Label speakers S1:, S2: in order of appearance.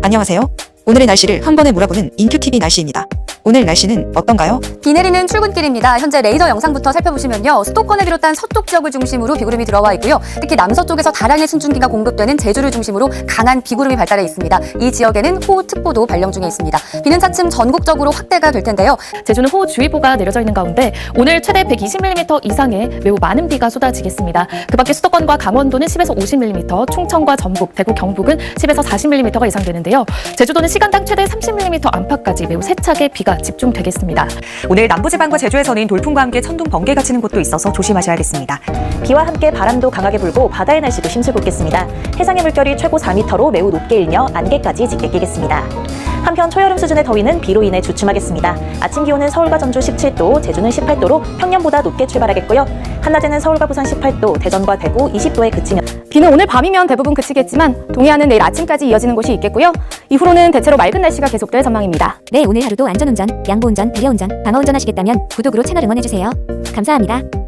S1: 안녕하세요. 오늘의 날씨를 한 번에 몰아보는 인큐TV 날씨입니다. 오늘 날씨는 어떤가요?
S2: 비 내리는 출근길입니다. 현재 레이더 영상부터 살펴보시면요. 수도권을 비롯한 서쪽 지역을 중심으로 비구름이 들어와 있고요. 특히 남서쪽에서 다량의 순중기가 공급되는 제주를 중심으로 강한 비구름이 발달해 있습니다. 이 지역에는 호우특보도 발령 중에 있습니다. 비는 차츰 전국적으로 확대가 될 텐데요.
S3: 제주는 호우주의보가 내려져 있는 가운데 오늘 최대 120mm 이상의 매우 많은 비가 쏟아지겠습니다. 그 밖에 수도권과 강원도는 10에서 50mm, 충청과 전북, 대구, 경북은 10에서 40mm가 예상되는데요. 제주도는 시간당 최대 30mm 안팎까지 매우 세차게 비가 집중되겠습니다.
S4: 오늘 남부지방과 제주에서는 돌풍과 함께 천둥, 번개가 치는 곳도 있어서 조심하셔야겠습니다.
S5: 비와 함께 바람도 강하게 불고 바다의 날씨도 심술궂겠습니다. 해상의 물결이 최고 4m로 매우 높게 일며 안개까지 짙게 끼겠습니다. 한편 초여름 수준의 더위는 비로 인해 주춤하겠습니다. 아침 기온은 서울과 전주 17도, 제주는 18도로 평년보다 높게 출발하겠고요. 한낮에는 서울과 부산 18도, 대전과 대구 20도에 그치며
S6: 비는 오늘 밤이면 대부분 그치겠지만 동해안은 내일 아침까지 이어지는 곳이 있겠고요. 이후로는 대체로 맑은 날씨가 계속될 전망입니다.
S7: 네, 오늘 하루도 안전운전, 양보운전, 배려운전, 방어운전 하시겠다면 구독으로 채널 응원해주세요. 감사합니다.